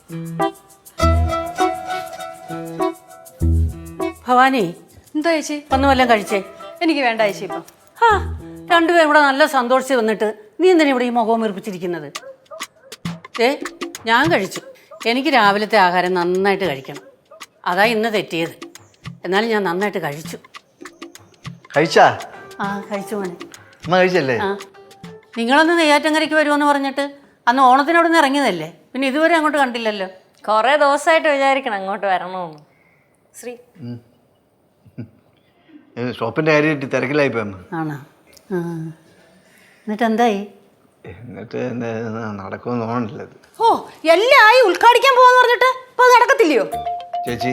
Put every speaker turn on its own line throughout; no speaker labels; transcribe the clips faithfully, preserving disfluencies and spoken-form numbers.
ഭവാനി,
എന്താ ചേച്ചി?
ഒന്നും വല്ലതും കഴിച്ചേ?
എനിക്ക് വേണ്ട ചേച്ചി. ഇപ്പം
ആ രണ്ടുപേരും ഇവിടെ നല്ല സന്തോഷിച്ച് വന്നിട്ട് നീ എന്തിനാ ഇവിടെ ഈ മുഖവും വീർപ്പിച്ചിരിക്കുന്നത്? ഏ ഞാൻ കഴിച്ചു. എനിക്ക് രാവിലത്തെ ആഹാരം നന്നായിട്ട് കഴിക്കണം. അതാ ഇന്ന് തെറ്റിയത്. എന്നാലും ഞാൻ നന്നായിട്ട് കഴിച്ചു.
കഴിച്ചാ?
ആ കഴിച്ചു മോനെ.
അമ്മ കഴിച്ചല്ലേ?
ആ നിങ്ങളൊന്ന് നെയ്യാറ്റങ്കരയ്ക്ക് വരുമെന്ന് പറഞ്ഞിട്ട് അന്ന് ഓണത്തിനോട് നിന്ന് ഇറങ്ങിയതല്ലേ? പിന്നെ ഇതുവരെ അങ്ങോട്ട് കണ്ടില്ലല്ലോ.
കുറേ ദിവസമായിട്ട് വിചാരിക്കണം അങ്ങോട്ട് വരണമെന്ന്. ശ്രീ
ഷോപ്പിന്റെ കാര്യമായിട്ട് തിരക്കിലായിപ്പോ അമ്മ.
ആണോ? ആ എന്നിട്ട് എന്തായി?
എന്നിട്ട് നടക്കുമെന്ന് തോന്നണില്ല.
ഓ എല്ലാം ആയി, ഉദ്ഘാടിക്കാൻ പോവാന്ന് പറഞ്ഞിട്ട് ഇപ്പൊ നടക്കത്തില്ലയോ
ചേച്ചി?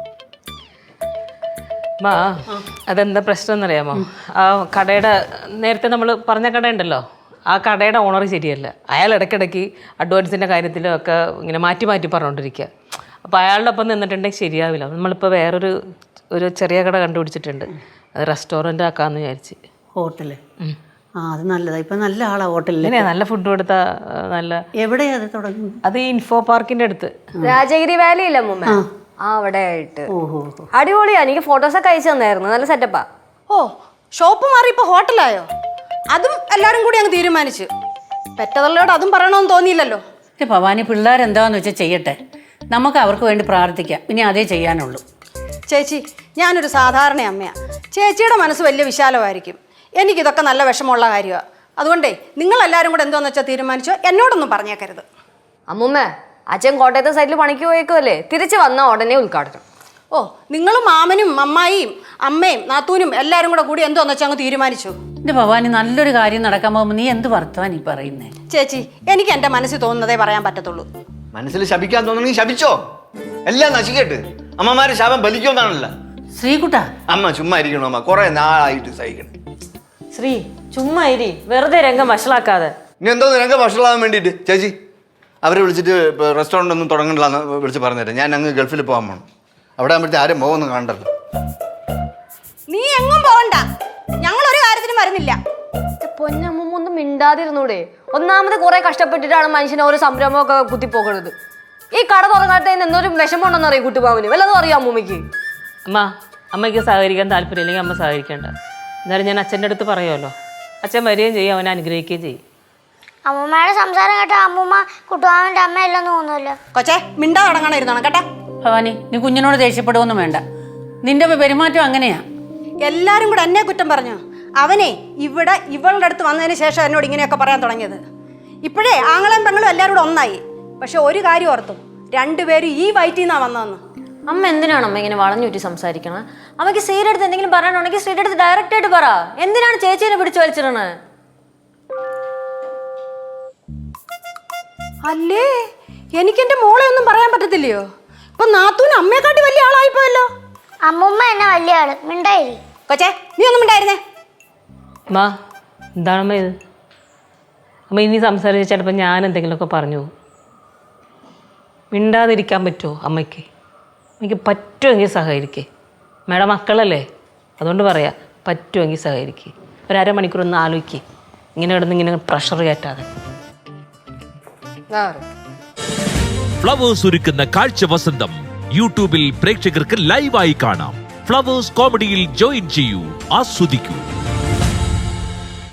മാ അതെന്താ പ്രശ്നം എന്നറിയാമോ? ആ കടയുടെ നേരത്തെ നമ്മൾ പറഞ്ഞ കടയുണ്ടല്ലോ, ആ കടയുടെ ഓണർ ശരിയല്ല. അയാൾ ഇടയ്ക്കിടയ്ക്ക് അഡ്വാൻസിൻ്റെ കാര്യത്തിലും ഒക്കെ ഇങ്ങനെ മാറ്റി മാറ്റി പറഞ്ഞുകൊണ്ടിരിക്കുക. അപ്പോൾ അയാളുടെ ഒപ്പം നിന്നിട്ടുണ്ടെങ്കിൽ ശരിയാവില്ല. നമ്മളിപ്പോൾ വേറൊരു ഒരു ചെറിയ കട കണ്ടുപിടിച്ചിട്ടുണ്ട്. അത് റെസ്റ്റോറൻ്റ് ആക്കാമെന്ന് വിചാരിച്ച്.
ഹോട്ടല്? ആ അത് നല്ലതാ. ഇപ്പം നല്ല ആളാ ഹോട്ടലിൽ.
നല്ല ഫുഡ് കൊടുത്താൽ നല്ല.
എവിടെയാ അത് തുടങ്ങുന്നത്?
അത് ഇൻഫോ പാർക്കിൻ്റെ അടുത്ത്.
രാജഗിരി വാലി ഇല്ല മുമ്പ്, ആ അവിടെ ആയിട്ട്.
ഓഹോ,
അടിപൊളിയാ. എനിക്ക് ഫോട്ടോസൊക്കെ അയച്ചു തന്നായിരുന്നു. നല്ല സെറ്റപ്പാ.
ഓ ഷോപ്പ് മാറി ഇപ്പൊ ഹോട്ടലായോ? അതും എല്ലാരും കൂടി അങ്ങ് തീരുമാനിച്ചു. പെറ്റതള്ളയോട് അതും പറയണമെന്ന് തോന്നിയില്ലല്ലോ.
ഭവാനി, പിള്ളേരെന്താന്ന് വെച്ചാൽ ചെയ്യട്ടെ. നമുക്ക് അവർക്ക് വേണ്ടി പ്രാർത്ഥിക്കാം. ഇനി അതേ ചെയ്യാനുള്ളൂ.
ചേച്ചി, ഞാനൊരു സാധാരണ അമ്മയാണ്. ചേച്ചിയുടെ മനസ്സ് വലിയ വിശാലമായിരിക്കും. എനിക്കിതൊക്കെ നല്ല വിഷമമുള്ള കാര്യമാണ്. അതുകൊണ്ടേ നിങ്ങളെല്ലാവരും കൂടെ എന്താണെന്ന് വെച്ചാൽ തീരുമാനിച്ചോ, എന്നോടൊന്നും പറഞ്ഞേക്കരുത്.
അമ്മൂമ്മ, അച്ഛൻ കോട്ടയത്തെ സൈഡിൽ പണിക്ക് പോയേക്കുമല്ലേ, തിരിച്ച് വന്നാൽ ഉടനെ ഉദ്ഘാടനം.
ഓ നിങ്ങളും മാമനും അമ്മായിയും അമ്മയും നാത്തൂനും എല്ലാവരും കൂടെ കൂടി എന്തോന്ന് വെച്ചാൽ അങ്ങ് തീരുമാനിച്ചു.
എൻ്റെ ഭവാനി, നല്ലൊരു കാര്യം നടക്കാൻ പോകുമ്പോൾ നീ എന്ത് വർത്തമാനീ പറയുന്നേ?
ചേച്ചി, എനിക്ക് എൻ്റെ മനസ്സിൽ തോന്നുന്നതേ പറയാൻ പറ്റത്തുള്ളൂ.
മനസ്സിൽ ശപിക്കാൻ തോന്നണമെങ്കിൽ ശപിച്ചോ. എല്ലാം നശിക്കട്ട്. അമ്മമാരെ ശാപം ബലിക്കുമെന്നാണല്ലോ.
ശ്രീകുട്ട,
അമ്മ ചുമ്മാ ഇരിക്കണോ അമ്മ? കുറെ നാളായിട്ട് സഹിക്കണം.
ശ്രീ ചുമ്മാ ഇരി, വെറുതെ രംഗം വഷളാക്കാതെ.
ഇനി എന്തോ നിനക്ക് ഭക്ഷണമാകാൻ വേണ്ടിയിട്ട് ചേച്ചി അവരെ വിളിച്ചിട്ട് റെസ്റ്റോറൻ്റ് ഒന്നും തുടങ്ങണില്ലാന്ന് വിളിച്ച് പറഞ്ഞുതരാം. ഞാൻ അങ്ങ് ഗൾഫിൽ പോകാൻ പോകണം. അവിടെ ആകുമ്പോഴത്തെ ആരും പോകുന്നു കാണണ്ടല്ലോ.
നീ എങ്ങും പോകണ്ട, ഞങ്ങൾ ഒരു കാര്യത്തിനും വരുന്നില്ല.
പൊന്നമ്മൂമ്മ ഒന്നും മിണ്ടാതിരുന്നൂടെ? ഒന്നാമത് കുറെ കഷ്ടപ്പെട്ടിട്ടാണ് മനുഷ്യനെ ഓരോ സംരംഭമൊക്കെ കുത്തിപ്പോകണത്. ഈ കട തുറക്കാത്തതിന് എന്തൊരു വിഷമം ഉണ്ടെന്ന് അറിയാം കുട്ടുപാവിന്. വല്ലതും അറിയാം അമ്മൂമ്മയ്ക്ക്?
അമ്മ അമ്മയ്ക്ക് സഹകരിക്കാൻ താല്പര്യമില്ലെങ്കിൽ അമ്മ സഹകരിക്കേണ്ട. എന്നാലും ഞാൻ അച്ഛൻ്റെ അടുത്ത് പറയുമല്ലോ. അച്ഛൻ വരികയും ചെയ്യും, അവനെ അനുഗ്രഹിക്കുകയും ചെയ്യും.
അമ്മൂമ്മയുടെ സംസാരം കേട്ട അമ്മൂമ്മ കുട്ടുവാമന്റെ അമ്മയല്ലെന്ന് തോന്നുമല്ലോ.
കൊച്ചേ, മിണ്ടാ തുടങ്ങണം ഇരുന്നോണം കേട്ടാ.
ഭവാനി, നീ കുഞ്ഞിനോട് ദേഷ്യപ്പെടുവൊന്നും വേണ്ട. നിന്റെ പെരുമാറ്റം അങ്ങനെയാ.
എല്ലാരും കൂടെ എന്നെ കുറ്റം പറഞ്ഞു. അവനെ ഇവിടെ ഇവളുടെ അടുത്ത് വന്നതിന് ശേഷം എന്നോട് ഇങ്ങനെയൊക്കെ പറയാൻ തുടങ്ങിയത്. ഇപ്പോഴേ ആങ്ങളും പെങ്ങളും എല്ലാവരും കൂടെ ഒന്നായി. പക്ഷെ ഒരു കാര്യം ഓർത്തു, രണ്ടുപേരും ഈ വയറ്റിൽ നിന്നാ വന്നതെന്ന്.
അമ്മ എന്തിനാണ് അമ്മ ഇങ്ങനെ വളഞ്ഞുറ്റി സംസാരിക്കണേ? അമ്മയ്ക്ക് സ്ത്രീയുടെ അടുത്ത് എന്തെങ്കിലും പറയാനുണ്ടെങ്കിൽ സ്ത്രീയുടെ അടുത്ത് ഡയറക്റ്റ് ആയിട്ട് പറ. എന്തിനാണ് ചേച്ചീനെ പിടിച്ചു വലിച്ചിടണേ?
അല്ലേ, എനിക്ക് എന്റെ മോളെ ഒന്നും പറയാൻ പറ്റത്തില്ലയോ? ഇപ്പൊ നാത്തൂന് അമ്മയെക്കാട്ടി വലിയ ആളായിപ്പോയല്ലോ.
അമ്മൂമ്മ എന്നെ വലിയ ആള്, മിണ്ടായി.
കൊച്ചേ, നീ ഒന്നും മിണ്ടായിരുന്നേ.
അമ്മ എന്താണമ്മ ഇത്? അമ്മ ഇനി സംസാരിച്ച് ചിലപ്പോൾ ഞാൻ എന്തെങ്കിലുമൊക്കെ പറഞ്ഞു പോകും. മിണ്ടാതിരിക്കാൻ പറ്റുമോ അമ്മയ്ക്ക്? എനിക്ക് പറ്റുമെങ്കിൽ സഹകരിക്കേ. മേഡം മക്കളല്ലേ, അതുകൊണ്ട് പറയാം, പറ്റുമെങ്കിൽ സഹകരിക്കേ. ഒരു അരമണിക്കൂർ ഒന്ന് ആലോചിക്കേ, ഇങ്ങനെ കിടന്ന് ഇങ്ങനെ പ്രഷർ കയറ്റാതെ.
ഫ്ലവേഴ്സ് ഒരുക്കുന്ന കാഴ്ച വസന്തം യൂട്യൂബിൽ പ്രേക്ഷകർക്ക് ലൈവായി കാണാം. ഫ്ലവേഴ്സ് കോമഡിയിൽ ജോയിൻ ചെയ്യൂ, ആസ്വദിക്കൂ.